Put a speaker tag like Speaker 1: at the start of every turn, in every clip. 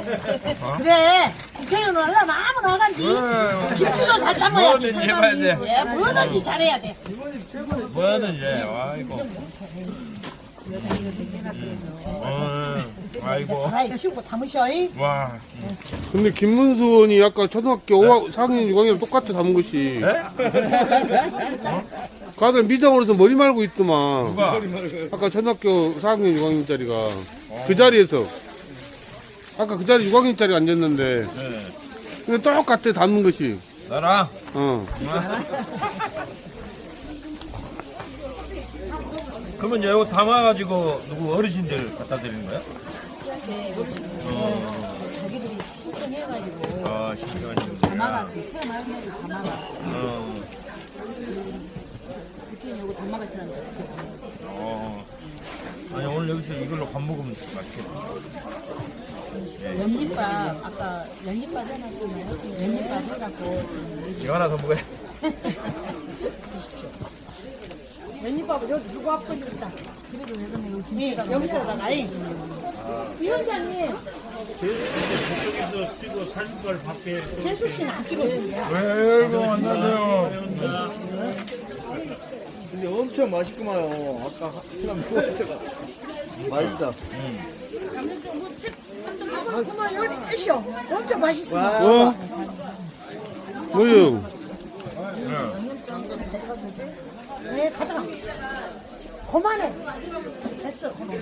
Speaker 1: 그래 국회의원 하려면 아무나 하간지 김치도 잘 담아야지.
Speaker 2: 뭐든지 해봐야 돼.
Speaker 1: 예, 뭐든지 잘해야 돼.
Speaker 2: 뭐든지 아이고. 아이고.
Speaker 1: 아이 치우고 담으셔.
Speaker 2: 와.
Speaker 3: 근데 김문수 의원이 아까 초등학교 4학년 6학년 똑같아 담은 것이. 그 아들 미장으로서 머리 말고 있더만.
Speaker 2: 누가?
Speaker 3: 아까 초등학교 4학년 6학년짜리가 그 자리에서 아까 그 자리 6학년짜리 앉았는데
Speaker 2: 네.
Speaker 3: 근데 똑같아 담는 것이.
Speaker 2: 나랑. 그러면 이거 담아가지고 누구 어르신들 갖다 드리는 거야?
Speaker 4: 네, 자기들이 신청해가지고
Speaker 2: 아, 신기하시네.
Speaker 4: 담아가지고 체험해가지고 담아가. 그때 요거 담아가시는 거.
Speaker 2: 아니 오늘 여기서 이걸로 밥 먹으면 맛있겠다.
Speaker 4: 연잎밥 아까 연잎밥 해놨잖아요. 연잎밥 해갖고
Speaker 2: 이거 하나 더 먹어야.
Speaker 1: 웬잎밥을 여기 두고 앞으로 있다.
Speaker 4: 그래도 예전에 여기
Speaker 1: 예,
Speaker 4: 김치가
Speaker 1: 여기서다가 위원장님
Speaker 5: 저쪽에서 찍어 사진빨 밖에
Speaker 1: 재수 씨는 안 찍어주세요.
Speaker 2: 아이고 안녕하세요.
Speaker 6: 근데 엄청 맛있구만요. 아까 그냥 먹었다가 맛있어.
Speaker 1: 그만 여기 계셔. 엄청 맛있어.
Speaker 3: 어? 뭐요?
Speaker 1: 네, 가자. 그만해. 됐어. 그만해.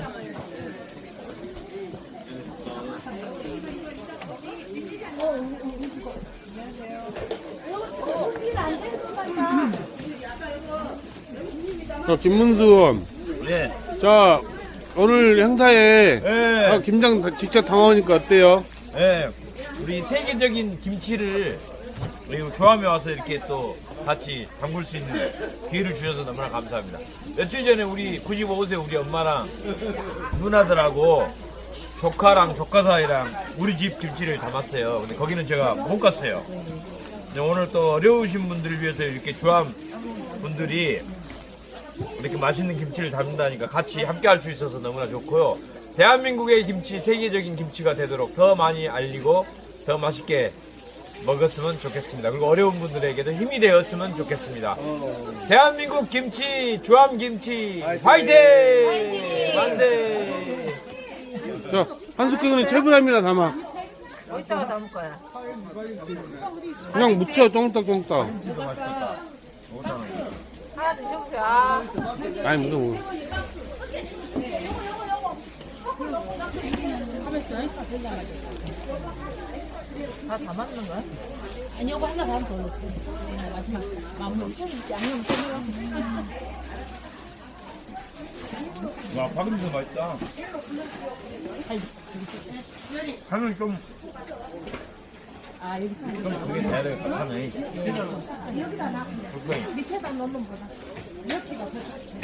Speaker 3: 자, 김문수 의원.
Speaker 2: 네.
Speaker 3: 자, 오늘 행사에
Speaker 2: 네.
Speaker 3: 김장 직접 담아오니까 어때요?
Speaker 2: 네. 우리 세계적인 김치를 우리 조함에 와서 이렇게 또 같이 담글 수 있는 기회를 주셔서 너무나 감사합니다. 며칠 전에 우리 95세 우리 엄마랑 누나들하고 조카랑 조카 사이랑 우리 집 김치를 담았어요. 근데 거기는 제가 못 갔어요. 근데 오늘 또 어려우신 분들을 위해서 이렇게 조함 분들이 이렇게 맛있는 김치를 담는다니까 같이 함께 할 수 있어서 너무나 좋고요. 대한민국의 김치 세계적인 김치가 되도록 더 많이 알리고 더 맛있게 먹었으면 좋겠습니다. 그리고 어려운 분들에게도 힘이 되었으면 좋겠습니다. 대한민국 김치, 조함 김치, 화이팅! 만세!
Speaker 3: 자, 한숟경은 채불함이나 담아.
Speaker 4: 이따가 담을 거야.
Speaker 3: 그냥 묻혀, 쫑딱쫑딱.
Speaker 4: 하나 드셔보세요.
Speaker 3: 아니, 뭐.
Speaker 4: 다 담았는 거야? 아니, 이거 하나 담으면 더 넣고. 마지막 마무리. 양념 좀
Speaker 2: 와, 박음도 맛있다. 간은 좀
Speaker 4: 여기
Speaker 2: 그게 돼야 될 것 같네.
Speaker 1: 밑에다 넣는 보다. 이렇게가 더 좋지.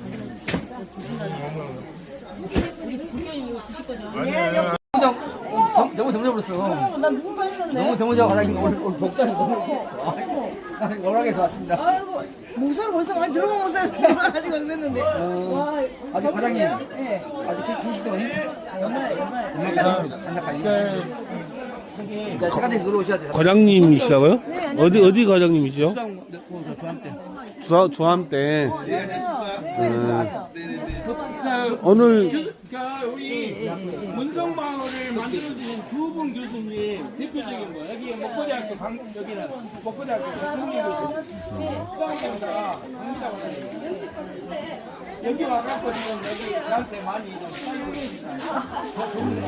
Speaker 4: 우리 국경이 이거 드실 거죠?
Speaker 7: 너무 정져버렸어.
Speaker 4: 난 누군가 했었네.
Speaker 7: 너무 정져가 과장님 오늘 복장이 너무 나는 월락에서 왔습니다.
Speaker 4: 아이고, 목소리 벌써 많이 들어보면서 아직 안 됐는데. 와,
Speaker 7: 아직 과장님
Speaker 4: 예.
Speaker 7: 아직 계시죠?
Speaker 4: 연말.
Speaker 7: 산작가님. 네, 시간에 놀러 오셔야 돼요.
Speaker 3: 과장님이시라고요? 어디 과장님이시죠?
Speaker 7: 조함 때.
Speaker 3: 조함 때. 오늘
Speaker 8: 우리 문성마을을 만들어주신 두 분 교수님 대표적인 거 여기 목포대학교 여기는 목포대학교 강동민 교수님 수강생가 강미라고 하는데 여기 와갖고 지금 여기 저한테 많이 좀 사용을 해주시다. 저 좋은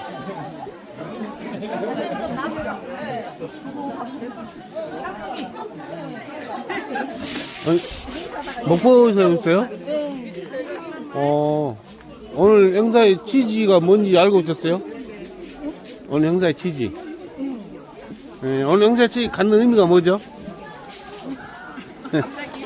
Speaker 3: 목포에서 오셨어요? 오늘 행사의 취지가 뭔지 알고 오셨어요? 오늘 행사의 취지. 네, 오늘 행사의 취지 갖는 의미가 뭐죠? 네.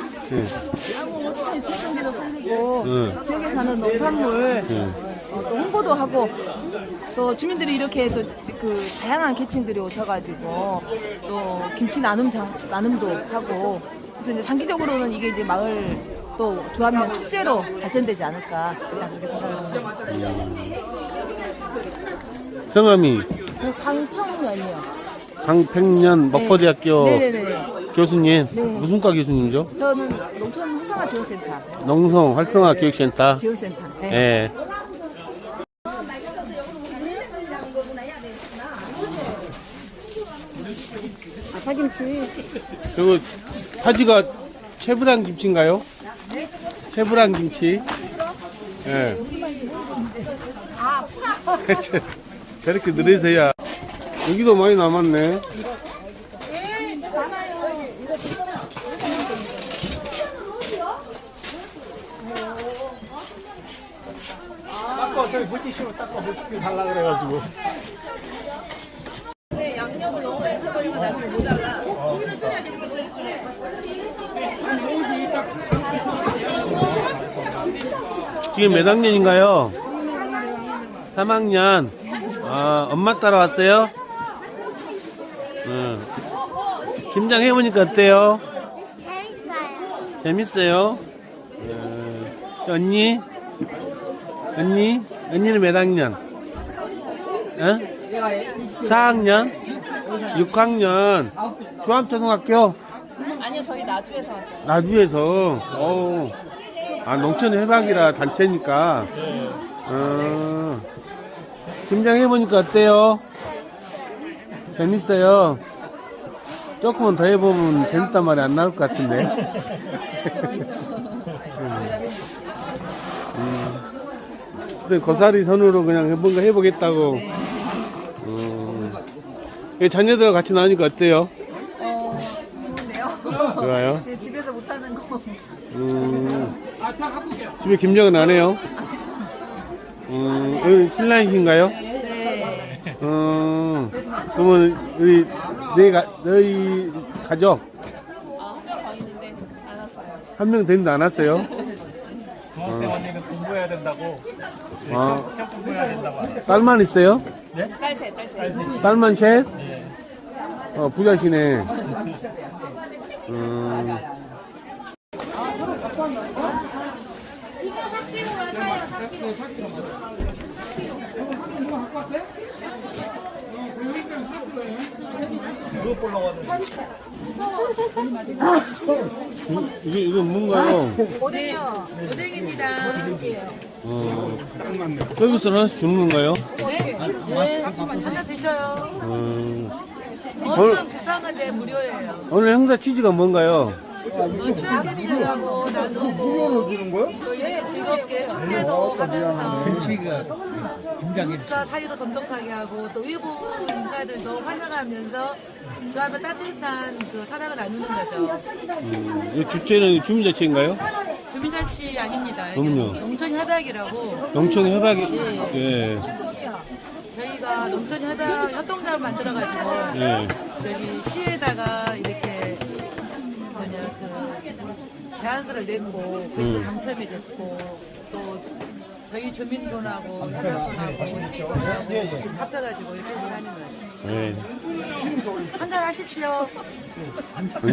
Speaker 4: 모든 지역경제도 살리고 지역에 사는 농산물 또 홍보도 하고 또 주민들이 이렇게 또 그 다양한 계층들이 오셔가지고 또 김치 나눔도 하고 그래서 이제 장기적으로는 이게 이제 마을 또 조합면 축제로 발전되지 않을까 그냥 그렇게 생각을 합니다.
Speaker 3: 성함이
Speaker 4: 저 강평면이요.
Speaker 3: 강평년 먹거리학교
Speaker 4: 네네네.
Speaker 3: 교수님.
Speaker 4: 네.
Speaker 3: 무슨 과 교수님이죠?
Speaker 4: 저는 농촌 활성화 지원센터.
Speaker 3: 농성 활성화 교육센터.
Speaker 4: 지원센터. 네.
Speaker 3: 예.
Speaker 4: 파김치.
Speaker 3: 그리고 파지가 채브랑 김치인가요? 채브랑 김치. 예. 저렇게 늘으세요. 여기도 많이 남았네.
Speaker 5: 닦아 저기 물티슈로 닦아 물티슈 달라 그래가지고.
Speaker 3: 지금 몇 학년인가요? 3학년. 아, 엄마 따라왔어요? 응. 김장 해보니까 어때요? 재밌어요. 언니? 언니는 몇 학년? 어? 4학년? 6학년? 중앙초등학교?
Speaker 4: 아니요, 저희 나주에서 왔어요.
Speaker 3: 나주에서. 어우. 아, 농촌 해박이라 단체니까. 김장 해보니까 어때요? 재밌어요? 조금만 더 해보면 재밌단 말이 안 나올 것 같은데. 그래, 고사리 선으로 그냥 뭔가 해보겠다고. 자녀들하고 같이 나오니까 어때요?
Speaker 4: 좋은데요?
Speaker 3: 좋아요?
Speaker 4: 네, 집에서 못하는 거.
Speaker 3: 집에 김장은 안 해요? 여기 신랑이신가요?
Speaker 4: 네.
Speaker 3: 그러면 우리 너희 가족
Speaker 4: 한 명 더 있는데 안 왔어요.
Speaker 3: 한 명 됐는데 안 왔어요?
Speaker 5: 중학생 언니는 공부해야 된다고. 시험 공부해야 된다고.
Speaker 3: 딸만 있어요?
Speaker 4: 딸 셋.
Speaker 3: 딸만 셋? 부자시네. 이건 뭔가요?
Speaker 4: 오뎅이요. 오뎅입니다.
Speaker 3: 서비스 하나씩 주는 건가요?
Speaker 4: 네. 하나 드셔요.
Speaker 3: 오늘,
Speaker 4: 엄청 비싼 건데 무료예요.
Speaker 3: 오늘 행사 취지가 뭔가요?
Speaker 4: 추억해주려고 나누고 저희에게 즐겁게 축제도 하면서 국가 사이도 돈독하게 하고 또 외부 인사들도 환영하면서 그하면 따뜻한 그 사랑을 나누는 거죠.
Speaker 3: 이 주체는 주민자치인가요?
Speaker 4: 주민자치 아닙니다.
Speaker 3: 그럼요.
Speaker 4: 농촌협약이라고
Speaker 3: 농촌 협약이, 예.
Speaker 4: 저희가 농촌협약 협동조합을 만들어가지고
Speaker 3: 예.
Speaker 4: 여기 시에다가 이렇게 제안서를 냈고 그래서 당첨이 됐고 또 저희 주민분하고 협약분하고 시군하고 합해가지고 이렇게 하는 거예요.
Speaker 3: 예.
Speaker 4: 한잔 하십시오.